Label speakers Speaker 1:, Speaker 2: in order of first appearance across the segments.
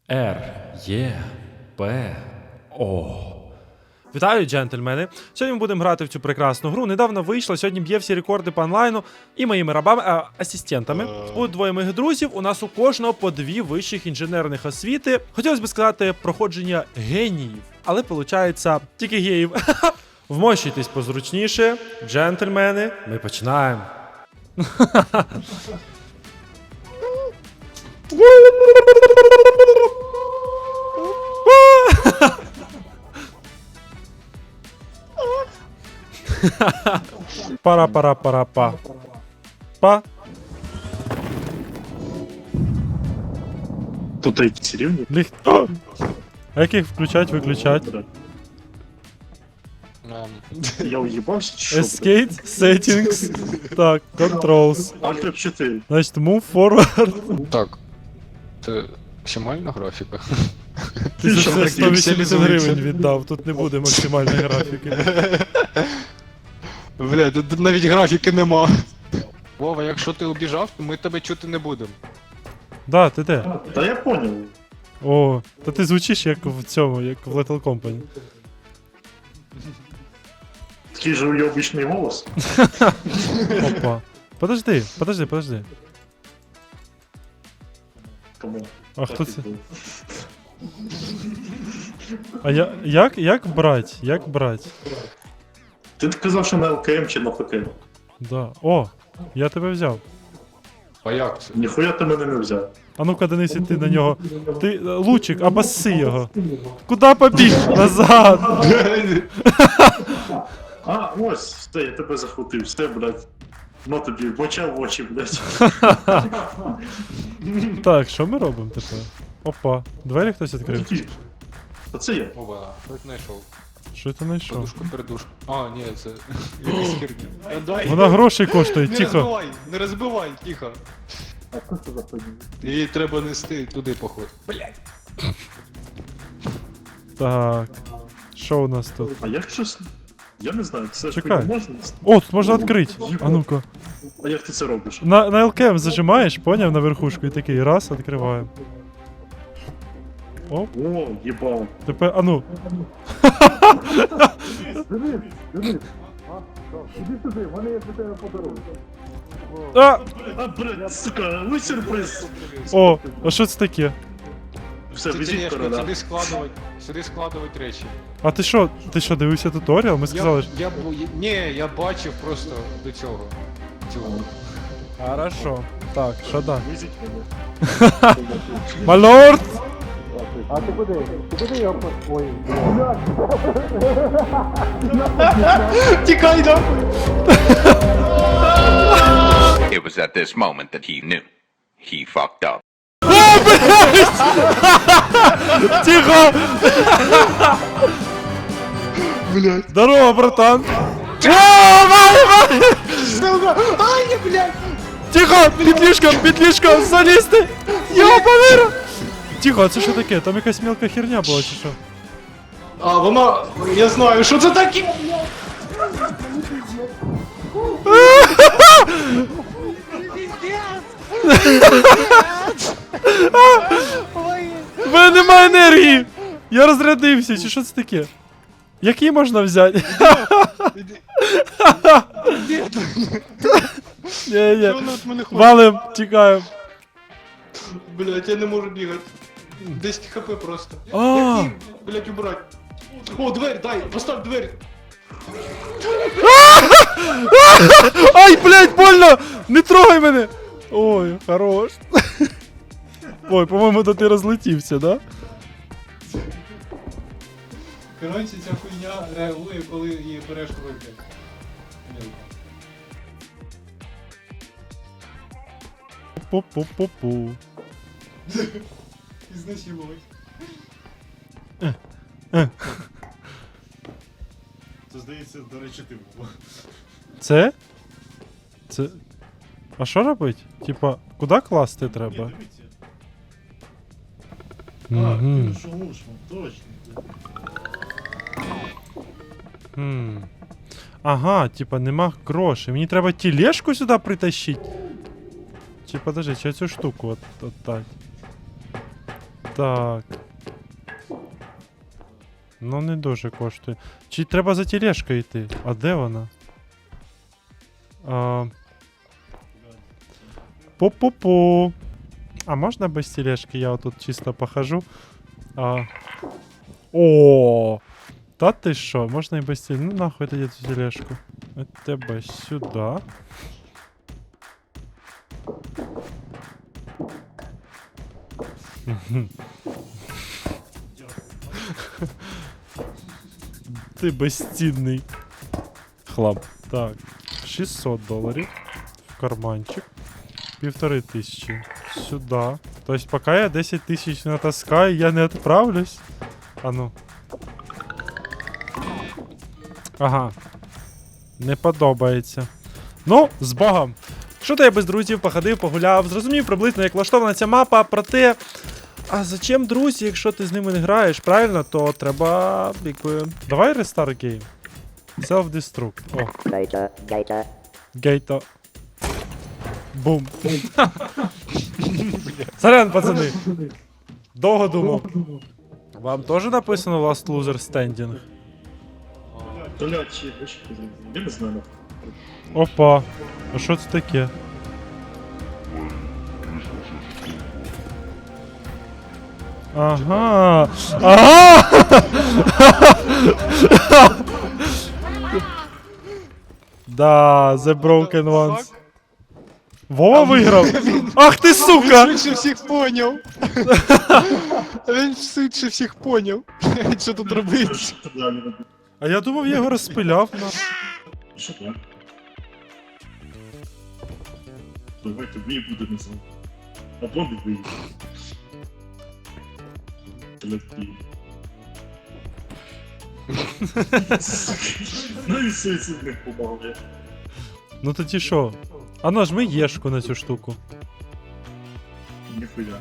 Speaker 1: Р, Є, П, О. Вітаю, джентльмени! Сьогодні ми будемо грати в цю прекрасну гру. Недавно вийшла, сьогодні б'є всі рекорди по онлайну і моїми рабами, асистентами. Будуть двоє моїх друзів. У нас у кожного по 2 вищих інженерних освіти. Хотілося б сказати проходження геніїв, але виходить тільки геїв. Вмощуйтесь позручніше, джентльмени. Ми починаємо. Пара-пара-пара-па. Па.
Speaker 2: Тут якісь рівні?
Speaker 1: Ліг... А як їх включать, виключать?
Speaker 2: Я уїбався чи що?
Speaker 1: Escape, settings. Так, controls.
Speaker 2: Alt F4.
Speaker 1: Значить, move forward.
Speaker 3: Так. Це максимальна графіка.
Speaker 1: Ти за
Speaker 2: що,
Speaker 1: це
Speaker 2: так
Speaker 1: 180 гривень віддав, тут не буде максимальної графіки.
Speaker 3: Бля, тут навіть графіки нема. Вова, якщо ти убіжав, то ми тебе чути не будемо.
Speaker 1: Да, ти де?
Speaker 2: Та я поняв.
Speaker 1: О, та ти звучиш як в цьому, як в Little Company.
Speaker 2: Такий же уйобічний голос.
Speaker 1: Опа. Подожди.
Speaker 2: Тому.
Speaker 1: А
Speaker 2: так
Speaker 1: хто
Speaker 2: і
Speaker 1: це?
Speaker 2: було.
Speaker 1: А як брать? Як брать?
Speaker 2: Ти казав, що на ЛКМ чи на ПК?
Speaker 1: Да. О, я тебе взяв.
Speaker 3: А як це?
Speaker 2: Ніхуя ти мене не взяв.
Speaker 1: А ну-ка, Денис, ти на нього. Ти, лучик, обосси його. Куда побіг? Назад!
Speaker 2: А, ось, все, я тебе захватив, все, блядь. Ну тобі, боча в очі, блядь.
Speaker 1: Так, що ми робимо тепер? Опа, двері хтось відкрив.
Speaker 2: Та це я.
Speaker 3: Вова, хоч знайшов.
Speaker 1: Що ти знайшов?
Speaker 3: Подушку, передушку. А, ні, це якась херня. Дай.
Speaker 1: Вона грошей коштує,
Speaker 3: Не
Speaker 1: тихо.
Speaker 3: розбивай, не розбивай, тихо.
Speaker 2: А хто це за хуйня?
Speaker 3: Її треба нести туди, походу. Блять.
Speaker 1: Так. Що у нас тут?
Speaker 2: А як щось? Я не знаю, це ж
Speaker 1: Чекай.
Speaker 2: хуйня можна?
Speaker 1: О, тут можна відкрити. А ну-ка.
Speaker 2: А як ти це робиш?
Speaker 1: На ЛКМ зажимаєш, поняв, на верхушку і такий раз, відкриваємо. Оп,
Speaker 2: О, їбав.
Speaker 1: тепер, а ну.
Speaker 2: Іди сюди, в мене є для тебе подарунок.
Speaker 1: А!
Speaker 2: А, блядь, сука, ну сюрприз.
Speaker 1: О, а що це таке?
Speaker 2: Все,
Speaker 3: Це
Speaker 2: візіть
Speaker 3: тележка,
Speaker 2: короля.
Speaker 3: сюди складувати речі.
Speaker 1: А ти що, дивився туторіал? Ми сказали, що...
Speaker 3: Ні, я бачив просто до цього.
Speaker 1: Хорошо. Так, що да?
Speaker 2: Візіть мене.
Speaker 1: Малорд!
Speaker 3: Тікай нахуй!
Speaker 4: It was at this moment that he knew. He fucked up.
Speaker 1: Тихо! Блять. Здорово, братан!
Speaker 3: Ай, блядь!
Speaker 1: Тихо! Петлішка, залізти! Йобаний! Тихо, а це що таке? Там якась мелка херня була чи що?
Speaker 3: А, вона... Я знаю, що це таке!
Speaker 1: В мене немає енергії! Я розрядився, чи що це таке? Який можна взяти? Ні.
Speaker 3: Вона від мене хоче.
Speaker 1: Валим, тікаємо.
Speaker 3: Блядь, я не можу бігати. 10 хп просто.
Speaker 1: А.
Speaker 3: Як її, блядь, убрать? О, дверь, дай, постав двері.
Speaker 1: Ай, блядь, больно! Не трогай мене! Ой, хорош. Ой, по-моєму, то ти розлетівся, да?
Speaker 3: Коротше, ця хуйня реагує, коли її береш в руки.
Speaker 1: Пу-пу-пу-пу.
Speaker 3: Ізнасилувати.
Speaker 2: Це, здається, до речі, ти був.
Speaker 1: Це? Це. А що робить? Типа, куди класти треба? Мгм.
Speaker 2: Точно.
Speaker 1: Ага, типа нема грошей. Мені треба тележку сюди притащити. Чи подожди, чи цю штуку от так. Так. Ну не дуже коштує. Чи треба за тележкою йти? А де вона? Пу-пу-пу. А можна без тележки? Я отут чисто похожу. О! Та ти що? Можна і без тележки. Ну нахуй тоді цю тележку. От тебе сюди. Ти безцінний хлам. Так, $600 в карманчик. 1500. Сюда. То есть пока я 10 тысяч натаскаю, я не отправлюсь. А ну. Ага. Не подобається. Ну, з Богом. Що то я без друзів походив, погуляв, зрозумів приблизно, як влаштована ця мапа, проте. А зачем друзі, якщо ти з ними не граєш, правильно, то треба, якби. Давай restart game. Self-destruct. О.
Speaker 5: Gator.
Speaker 1: Гейто. Бум. Сорян, пацани. Довго думав. Вам теж написано Last Loser Standing?
Speaker 2: Блядь, чи я не знаю.
Speaker 1: Опа. А що це таке? Ага. Ага! Да, The Broken Ones. Вова виграв! Ах ти сука!
Speaker 3: Він швидше всіх поняв. Він швидше всіх поняв. Що тут робить?
Speaker 1: А я думав, я його розпиляв на.
Speaker 2: Що так? Давай тобі буде не знаю. Або не вийде. Телепі. Ну і суїцидних помогли.
Speaker 1: Ну тоді що? А нажми єшку на цю штуку.
Speaker 2: Ніхуя.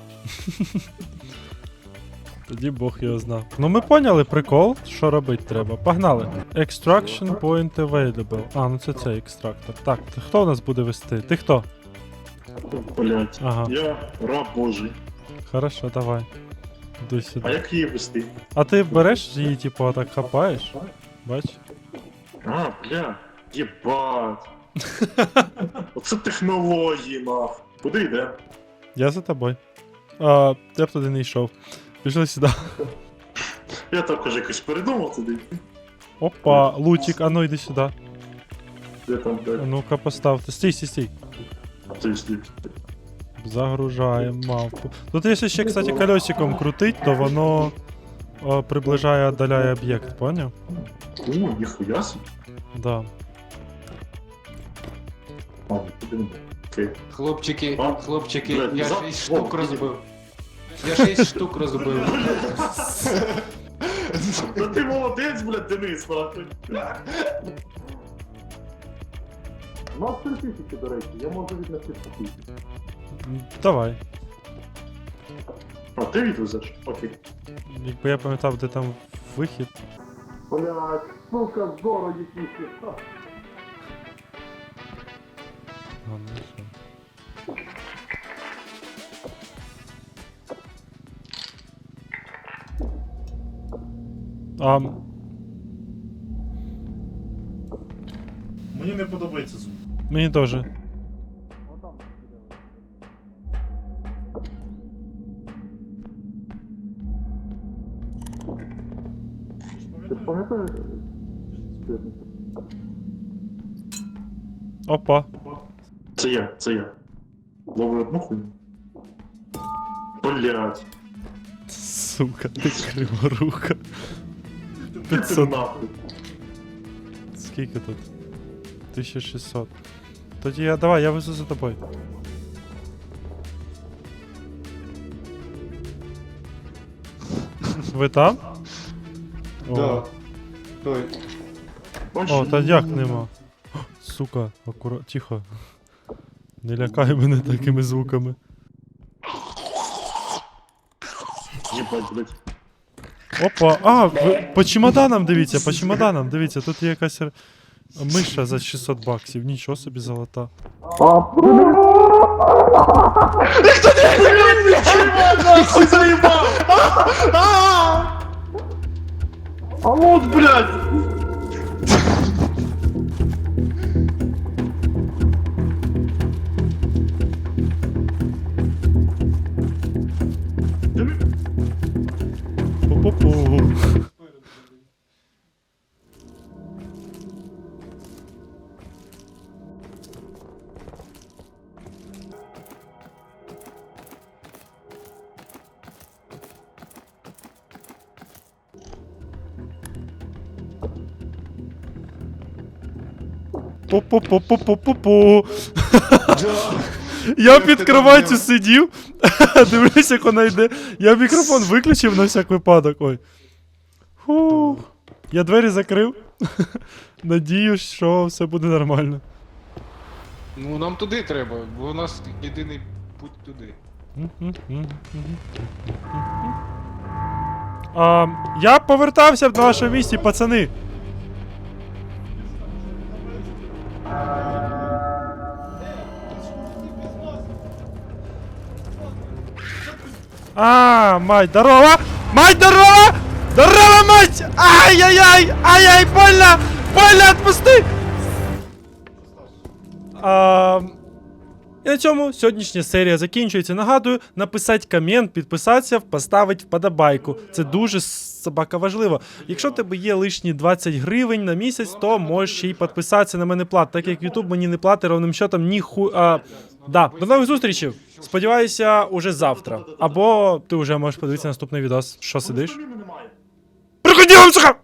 Speaker 1: Тоді Бог його знав. Ну ми поняли прикол, що робити треба. Погнали. Extraction point available. А, ну це цей екстрактор. Так, хто у нас буде вести? Ти хто?
Speaker 2: Блять.
Speaker 1: Ага.
Speaker 2: Я раб Божий.
Speaker 1: Хорошо, давай. Іди
Speaker 2: А
Speaker 1: сюди.
Speaker 2: як її вести?
Speaker 1: А ти береш її, типу, отак хапаєш? Бач?
Speaker 2: А, бля. Єбать. Оце технології, нах. Куди йде?
Speaker 1: Я за тобою. Я б туди не йшов. Пішли сюди.
Speaker 2: Я також якось передумав туди.
Speaker 1: Опа, лутик, а ну йди сюди.
Speaker 2: Де там,
Speaker 1: А
Speaker 2: блядь?
Speaker 1: ну-ка поставте. Стій.
Speaker 2: А ти слід.
Speaker 1: Загружаємо мапу. Тут якщо ще, кстати, колесиком крутить, то воно приближає, віддаляє об'єкт, поняв?
Speaker 2: Ніхуя собі.
Speaker 1: Да.
Speaker 2: А, куди не окей.
Speaker 3: Хлопчики,
Speaker 2: Блядь,
Speaker 3: я
Speaker 2: за-
Speaker 3: 6 штук
Speaker 2: О,
Speaker 3: розбив. Я 6 штук розбив.
Speaker 2: Та ти молодець, блядь, Денис, нахуй. У нас 3000, до речі, я можу віднести такі.
Speaker 1: Давай.
Speaker 2: А, ти відвезеш? Окей.
Speaker 1: Якби я пам'ятав, де там вихід.
Speaker 2: Блядь, сука, здорово якісь.
Speaker 1: А, ну що.
Speaker 2: Мені не подобається звук.
Speaker 1: Мені теж.
Speaker 2: Ти пам'ятаєш?
Speaker 1: Опа.
Speaker 2: Це я. Ловлю одну хуйню. Блядь.
Speaker 1: Сука, ти криворука.
Speaker 2: Ти
Speaker 1: 500.
Speaker 2: нахуй.
Speaker 1: Скільки тут? 1600. Тоді давай, я везу за тобою. Ви там?
Speaker 3: Да. Той.
Speaker 1: О, та як нема. О, сука, тихо. Не лякай мене такими звуками.
Speaker 2: Єбать, блядь.
Speaker 1: Опа, по чемоданам дивіться, тут є якась миша за $600, нічого собі золота.
Speaker 2: Нахуй заебал! А вот, блядь!
Speaker 1: Пу-пу-пу. Пу-пу-пу-пу-пу-пу-пу. Я під кроваттю сидів, дивлюсь, як вона йде. Я мікрофон виключив на всяк випадок. Ой. Фу. Я двері закрив. Надіюсь, що все буде нормально.
Speaker 3: Ну нам туди треба, бо у нас єдиний путь туди.
Speaker 1: Я повертався на вашому місці, пацани. Мать, здорово! Мать, здорово! Здорово, мать! Ай-яй-яй! Ай-яй, больно! Больно, отпусти! І на цьому сьогоднішня серія закінчується. Нагадую, написати комент, підписатися, поставити вподобайку. Це дуже собака важливо. Якщо в тебе є лишні 20 гривень на місяць, то можеш ще й підписатися на мене плат, так як YouTube мені не платить ровним счетом Да, до нових зустрічей. Сподіваюся, уже завтра. Або ти вже можеш подивитися наступний відос. Що сидиш?
Speaker 2: Немає.
Speaker 1: Приходи, сука!